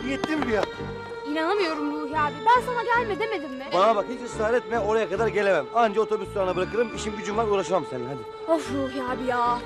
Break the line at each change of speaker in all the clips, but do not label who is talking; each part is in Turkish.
Yettin mi ya?
İnanamıyorum Ruhi abi. Ben sana gelme demedim mi?
Bana bak, hiç ısrar etme, oraya kadar gelemem. Anca otobüs durağına bırakırım, işim gücüm var, uğraşamam seninle, hadi.
Of Ruhi abi ya.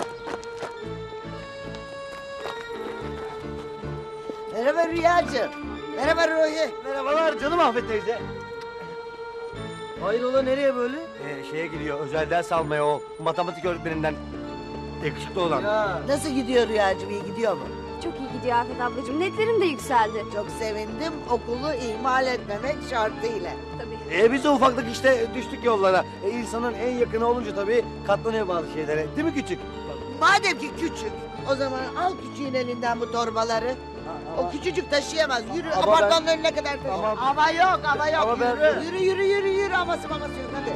Merhaba Rüyacığım. Merhaba Ruhi.
Merhabalar canım Afet teyze.
Hayrola, nereye böyle?
Şeye gidiyor, özel ders almaya o matematik öğretmeninden. Yakışıklı olan.
Ya.
Nasıl gidiyor Rüyacığım? İyi gidiyor mu?
Çok iyi gidiyor Afet ablacığım. Netlerim de yükseldi.
Çok sevindim. Okulu ihmal etmemek şartıyla.
Tabii.
Biz de ufaklık işte düştük yollara. İnsanın en yakını olunca tabii katlanıyor bazı şeylere. Değil mi küçük?
Madem ki küçük, o zaman al küçüğün elinden bu torbaları. O küçücük taşıyamaz. Yürü
Ama
apartmanın önüne kadar taşı.
Ama-
Ama yok, ama yok.
Ama ben-
Yürü. Yürü, yürü, yürü, yürü. Aması maması yok, hadi.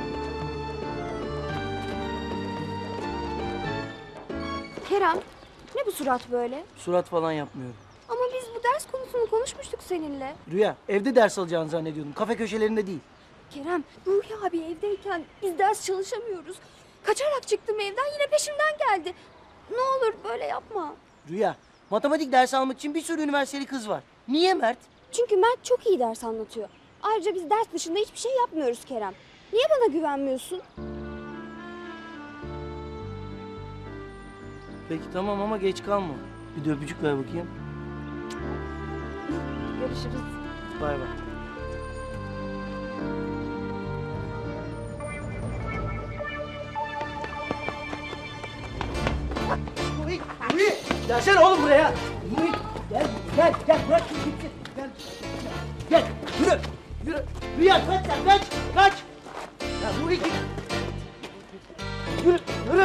Kerem, ne bu surat böyle?
Surat falan yapmıyorum.
Ama biz bu ders konusunu konuşmuştuk seninle.
Rüya, evde ders alacağını zannediyordum. Kafe köşelerinde değil.
Kerem, Ruhi abi evdeyken biz ders çalışamıyoruz. Kaçarak çıktım evden, yine peşimden geldi. Ne olur böyle yapma.
Rüya, matematik dersi almak için bir sürü üniversiteli kız var. Niye Mert?
Çünkü Mert çok iyi ders anlatıyor. Ayrıca biz ders dışında hiçbir şey yapmıyoruz Kerem. Niye bana güvenmiyorsun?
Peki tamam ama geç kalma. Bir de öpücük ver bakayım.
Görüşürüz.
Bay bay. Nuri, Nuri! Gelsene oğlum buraya. Nuri, gel, bırak şunu gitsin. Gel, yürü. Rüya, kaç sen, kaç. Ya Nuri git. Yürü.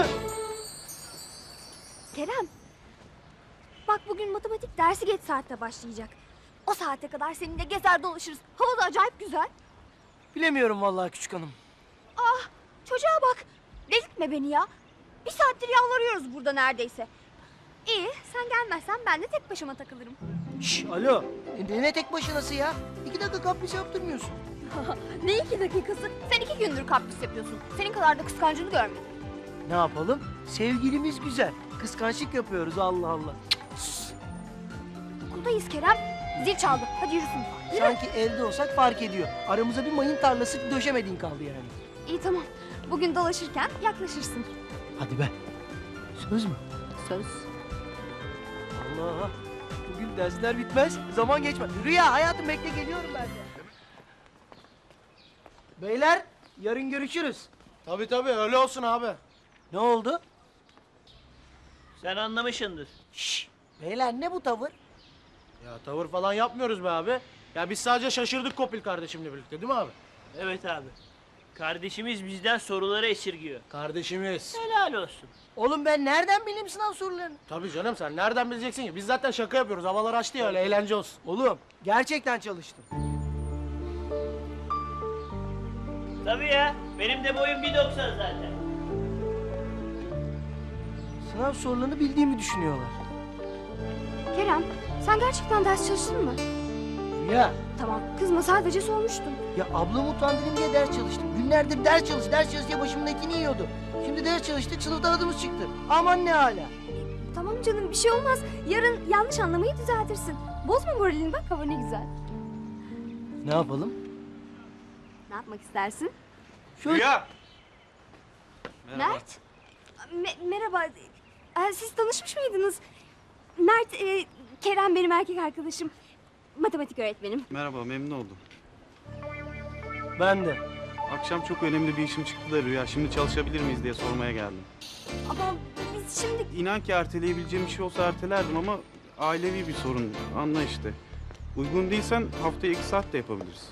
Kerem, bak bugün matematik dersi geç saatte başlayacak. O saate kadar seninle gezer dolaşırız. Hava da acayip güzel.
Bilemiyorum vallahi küçük hanım.
Ah, çocuğa bak. Delirtme beni ya. Bir saattir yalvarıyoruz burada neredeyse. İyi, sen gelmezsen ben de tek başıma takılırım.
Şş, alo. Ne tek başınası ya? 2 dakika kapris yaptırmıyorsun.
Ne 2 dakikası? Sen 2 gündür kapris yapıyorsun. Senin kadar da kıskancını görmedim.
Ne yapalım? Sevgilimiz güzel. Kıskançlık yapıyoruz Allah Allah.
Okuldayız Kerem. Zil çaldı. Hadi yürüsün. Yürü.
Sanki evde olsak fark ediyor. Aramıza bir mayın tarlası döşemediğin kaldı yani.
İyi tamam. Bugün dolaşırken yaklaşırsın.
Hadi be. Söz mü?
Söz.
Allah. Bugün dersler bitmez. Zaman geçmez. Rüya hayatım bekle geliyorum ben de. Beyler yarın görüşürüz.
Tabii öyle olsun abi.
Ne oldu?
Sen anlamışsındır.
Şşş. Beyler ne bu tavır?
Ya tavır falan yapmıyoruz be abi. Ya biz sadece şaşırdık Kopil kardeşimle birlikte değil mi abi?
Evet abi. Kardeşimiz bizden soruları esirgiyor.
Kardeşimiz.
Helal olsun.
Oğlum ben nereden bileyim sınav sorularını?
Tabii canım, sen nereden bileceksin ki? Biz zaten şaka yapıyoruz. Havalar açtı ya, öyle eğlence olsun.
Oğlum gerçekten çalıştım.
Tabii ya. Benim de boyum 1.90 zaten.
Sınav sorularını bildiğimi düşünüyorlar.
Kerem, sen gerçekten ders çalıştın mı?
Rüya.
Tamam, kızma sadece sormuştum.
Ya ablamı utandırayım diye ders çalıştım. Günlerdir ders çalış diye başımın etini yiyordu. Şimdi ders çalıştık, sınıfta adımız çıktı. Aman ne hala.
Tamam canım, bir şey olmaz. Yarın yanlış anlamayı düzeltirsin. Bozma moralini, bak hava ne güzel.
Ne yapalım?
Ne yapmak istersin?
Şöyle...
Rüya!
Mert? Merhaba. Siz tanışmış mıydınız? Mert, Kerem benim erkek arkadaşım. Matematik öğretmenim.
Merhaba, memnun oldum.
Ben de.
Akşam çok önemli bir işim çıktı da Rüya. Şimdi çalışabilir miyiz diye sormaya geldim.
Ama biz şimdi...
İnan ki erteleyebileceğim bir şey olsa ertelerdim ama ailevi bir sorun. Anla işte. Uygun değilsen haftaya 2 saat de yapabiliriz.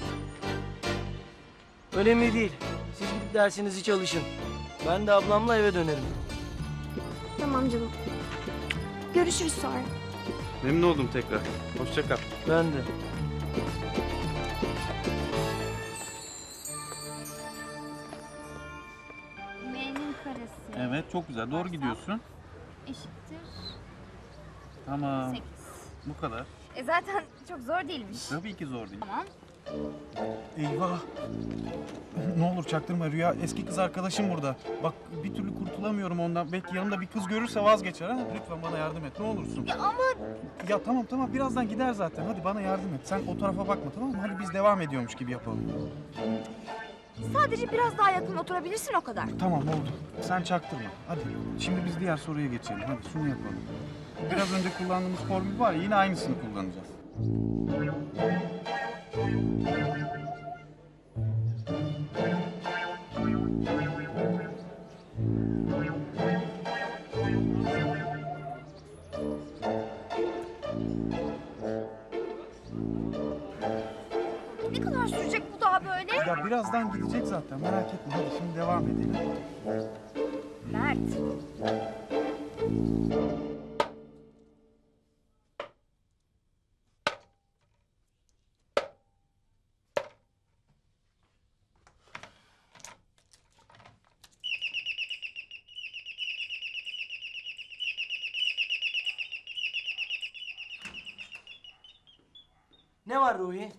Önemli değil. Siz gidip dersinizi çalışın. Ben de ablamla eve dönerim.
Tamam canım. Görüşürüz sonra.
Memnun oldum tekrar. Hoşça kal.
Ben de.
M'nin karesi
Evet, çok güzel. Doğru gidiyorsun.
eşittir
Tamam.
8.
Bu kadar.
Zaten çok zor değilmiş.
Tabii ki zor değil.
Tamam.
Eyvah. Ne olur çaktırma Rüya. Eski kız arkadaşım burada. Bak bir türlü kurtulamıyorum ondan. Belki yanında bir kız görürse vazgeçer ha. Lütfen bana yardım et ne olursun.
Ya ama
Ya tamam birazdan gider zaten. Hadi bana yardım et. Sen o tarafa bakma tamam mı? Hadi biz devam ediyormuş gibi yapalım.
sadece biraz daha yakın oturabilirsin o kadar.
Tamam oldu. Sen çaktırma. Hadi şimdi biz diğer soruya geçelim. Hadi şunu yapalım. Biraz önce kullandığımız formül var ya yine aynısını kullanacağız.
Ne kadar sürecek bu daha böyle?
Ya birazdan gidecek zaten merak etme. Hadi şimdi devam edelim.
Mert.
Ne var Ruhi?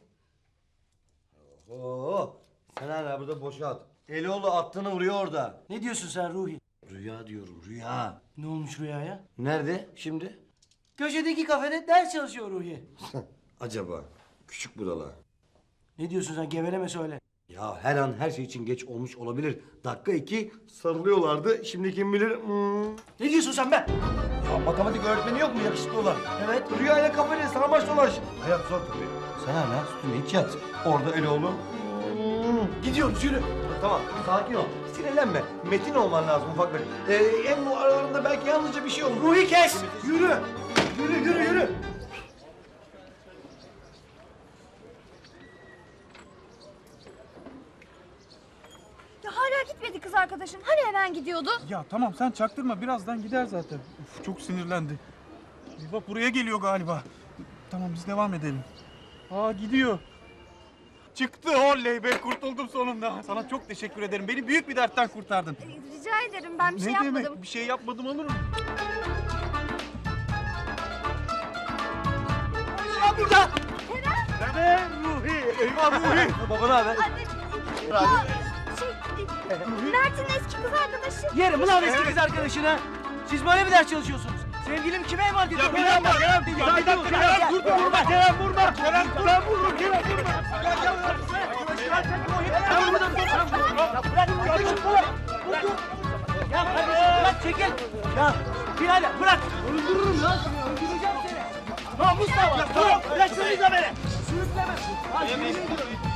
Oo, sen hala burada boşa at. Eloğlu attığını vuruyor orada.
Ne diyorsun sen Ruhi?
Rüya diyorum, rüya.
Ne olmuş Rüya'ya?
Nerede şimdi?
Köşedeki kafede ders çalışıyor Ruhi.
Acaba küçük budala.
Ne diyorsun sen? Geveleme söyle.
Ya her an her şey için geç olmuş olabilir. Dakika 2 sarılıyorlardı. Şimdi kim bilir?
Ne diyorsun sen be?
Ya matematik öğretmeni yok mu yakışıklı olan?
Evet.
Rüya ile kafede sarmaş dolaş. Hayat zor tabii. Sen hala üstüne hiç yat. Orada Eloğlu.
Gidiyoruz yürü.
Tamam sakin ol. Sinirlenme. Metin olman lazım ufaklık. En bu aralarında belki yalnızca bir şey olur.
Ruhi kes. Yürü. Yürü.
Ya hala gitmedi kız arkadaşın. Hani hemen gidiyordu?
Ya tamam sen çaktırma birazdan gider zaten. Uf, çok sinirlendi. Bak buraya geliyor galiba. Tamam biz devam edelim. Aa gidiyor. Çıktı oley be kurtuldum sonunda. Sana çok teşekkür ederim. Beni büyük bir dertten kurtardın.
Rica ederim, ben bir şey
ne
yapmadım.
demek bir şey yapmadım olur mu?
Ya burada.
Dede Ruhi. Eyvah Ruhi.
Babana haber.
Anne, ya, Mert'in eski kız arkadaşı.
Yerim ulan eski kız arkadaşına. Siz böyle mi ders çalışıyorsunuz? Sevgilim kime emanet ediyor?
Kerem dur vurma Kerem vurma. Kerem vurma Kerem vurma.
Ya kardeşim bırak çekil. Ya birader bırak. Öldürürüm lan seni. Öldüreceğim seni. Namus da var. Bırak şunu da beni. Sürükleme.